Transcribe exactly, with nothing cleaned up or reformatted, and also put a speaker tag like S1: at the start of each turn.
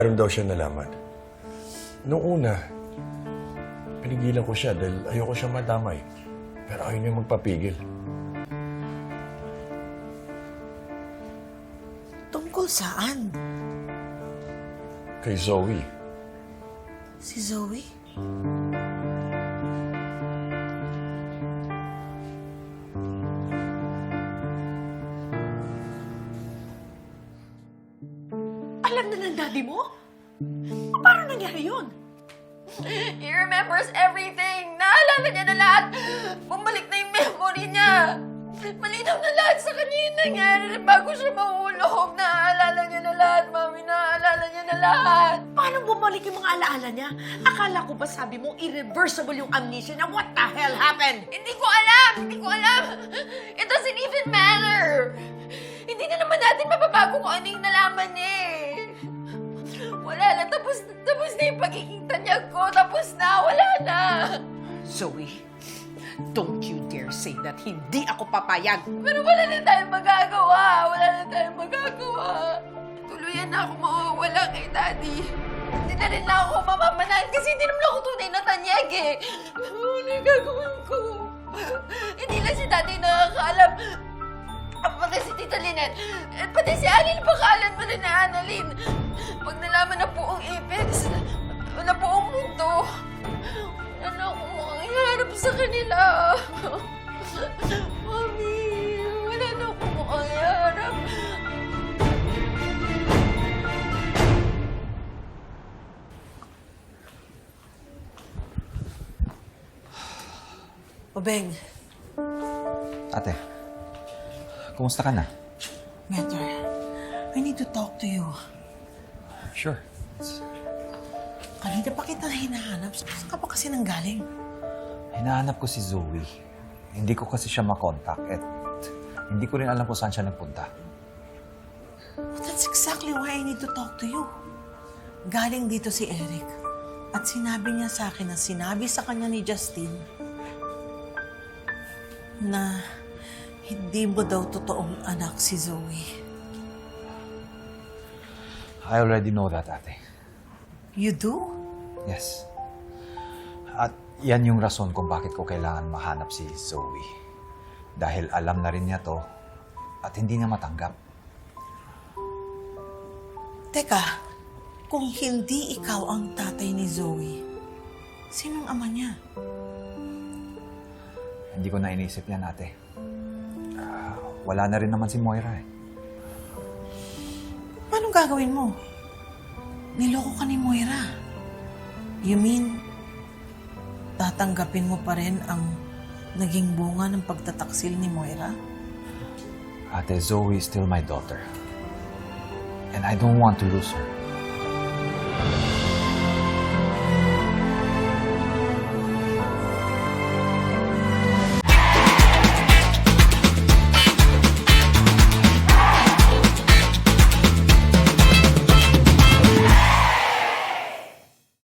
S1: Meron daw siya nalaman. Noong una, pinigilan ko siya dahil ayoko siya madamay. Pero ayaw niya magpapigil.
S2: Tungkol saan?
S1: Kay Zoe.
S2: Si Zoe? Alam na ng daddy mo? Paano nangyari yun?
S3: He remembers everything. Naalala niya na lahat. Bumalik na yung memory niya. Malinaw na lahat sa kanya yung nangyari. Bago siya mahulog, naaalala niya na lahat, Mami. Naaalala niya na lahat.
S2: Paano bumalik yung mga alaala niya? Akala ko ba sabi mo irreversible yung amnesia niya? What the hell happened?
S3: Hindi ko alam! Hindi ko alam! It doesn't even matter! Hindi na naman natin mababago kung ano yung nalaman niya eh. Wala na. Tapos, tapos na yung pagiging tanyag ko. Tapos na. Wala na.
S2: Zoe, don't you dare say that hindi ako papayag.
S3: Pero wala na tayong magagawa. Wala na tayong magagawa. Tuluyan na ako mawawala kay Daddy. Hindi na rin na ako mamamanahan kasi hindi naman ako tunay na tanyag eh. Ano yung gagawin ko? Hindi lang si Daddy nakakaalam. Pati si Tita Lynette. At pati si Annalyn, bakalan mo rin na Annalyn. Pag nalaman na po ang Apex, na po ang mundo, wala na akong makaharap sa kanila. Mami, wala na akong makaharap.
S2: Obeng,
S4: Ate, kumusta ka na?
S2: Mentor, I need to talk to you.
S4: Sure.
S2: Kanina pa kita hinahanap. Saan ka pa kasi nanggaling?
S4: Hinahanap ko si Zoe. Hindi ko kasi siya makontak at hindi ko rin alam kung saan siya nagpunta.
S2: But that's exactly why I need to talk to you. Galing dito si Eric. At sinabi niya sa akin na sinabi sa kanya ni Justin na hindi mo daw totoong anak si Zoe.
S4: I already know that, ate.
S2: You do?
S4: Yes. At yan yung rason kung bakit ko kailangan mahanap si Zoe. Dahil alam na rin niya to at hindi niya matanggap.
S2: Teka, kung hindi ikaw ang tatay ni Zoe, sinong ama niya?
S4: Hindi ko na inisip yan, ate. Ah, wala na rin naman si Moira eh.
S2: Anong gagawin mo? Niloko ka ni Moira. You mean, tatanggapin mo pa rin ang naging bunga ng pagtataksil ni Moira?
S4: Ate, Zoe is still my daughter. And I don't want to lose her.